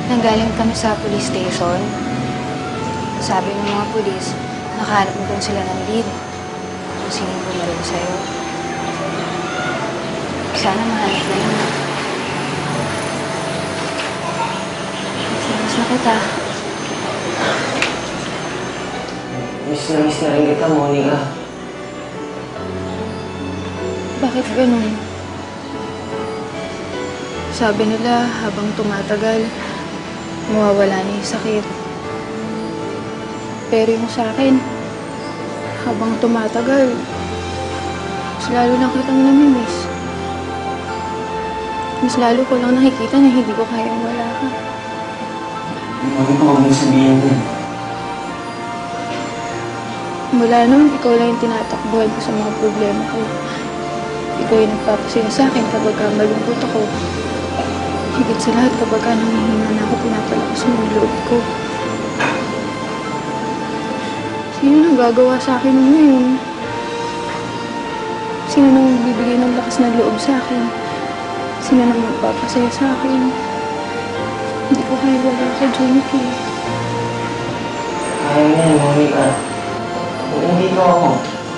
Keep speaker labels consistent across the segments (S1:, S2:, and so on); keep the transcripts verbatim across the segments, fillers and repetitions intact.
S1: Nanggaling kami sa police station. Sabi ng mga pulis, nakahanap mo doon sila ng lead. Kung sinong bumaril sa'yo. Sana mahanap na yun. Miss na kita.
S2: Miss na miss na rin kita, Monica.
S1: Bakit ganun? Sabi nila, habang tumatagal, mawawala na yung sakit. Pero yung sa akin, habang tumatagal, mas lalo lang kitang namimiss. Mas lalo ko lang nakikita na hindi ko kayang wala ka.
S2: Monica, huwag mong sabihin din.
S1: Mula noon, ikaw lang yung tinatakbuhan ko sa mga problema ko. Ikaw yung nagpapasaya sa akin kapag ka malungkot ako. Higit sa lahat kapag ka nangihinga na ako, pinapalakas mo yung loob ko. Sino nang gagawa sa akin ng ngayon? Sino nang bibigay ng lakas ng loob sa akin? Sino nang magpapasaya sa akin? Hindi ko kaya wala ka, Jonike.
S2: Kaya mo yan, Monica. Kung hindi ko ako.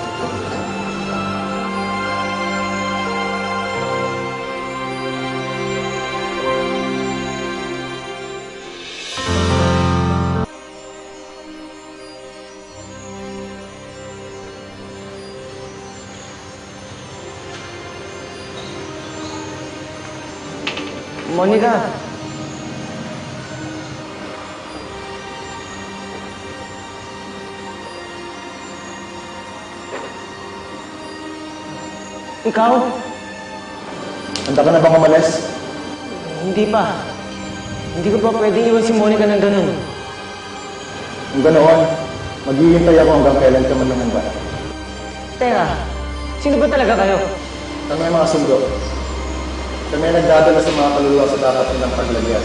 S2: Monica! Ikaw?
S3: Handa ka na bang umalis?
S2: Hindi pa. Hindi ko pa pwedeng iwan si Monica ng ganun.
S3: Kung ganoon, maghihintay ako hanggang kailan ka man lumanda.
S2: Teka, sino ba talaga kayo?
S3: Kami ang mga sundo. Kami ang nagdadala sa mga kaluluwa sa dapat nilang paglagyan.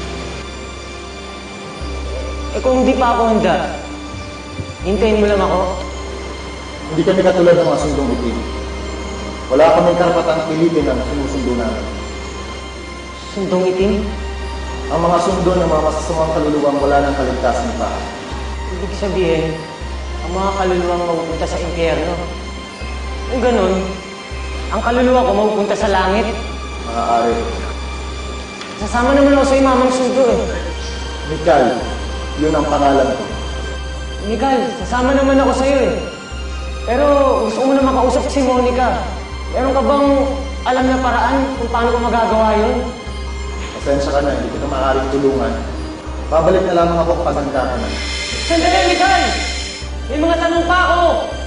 S2: Eh kung hindi pa ako handa, hintayin mo lang ako.
S3: Hindi kami katulad ng mga sundong itim. Wala kaming karapatang pilitin ang sinusundo namin.
S2: Sundong itim?
S3: Ang mga sundo ng mga masasamang kaluluwang wala ng kaligtasan pa.
S2: Ibig sabihin, ang mga kaluluwang mapupunta sa impyerno. Kung ganun, ang kaluluwa ko mapupunta sa langit.
S3: Maaari.
S2: Sasama naman ako sa imamang sundo eh.
S3: Mikal, yun ang pangalan ko.
S2: Mikal, sasama naman ako sa'yo eh. Pero gusto ko muna makausap si Monica. Meron ka bang alam na paraan kung paano ko magagawa yun?
S3: Pasensya ka na, hindi kita maaaring tulungan. Babalik na lamang ako kapag handa ka na.
S2: Sandali, Mikal! May mga tanong pa ako!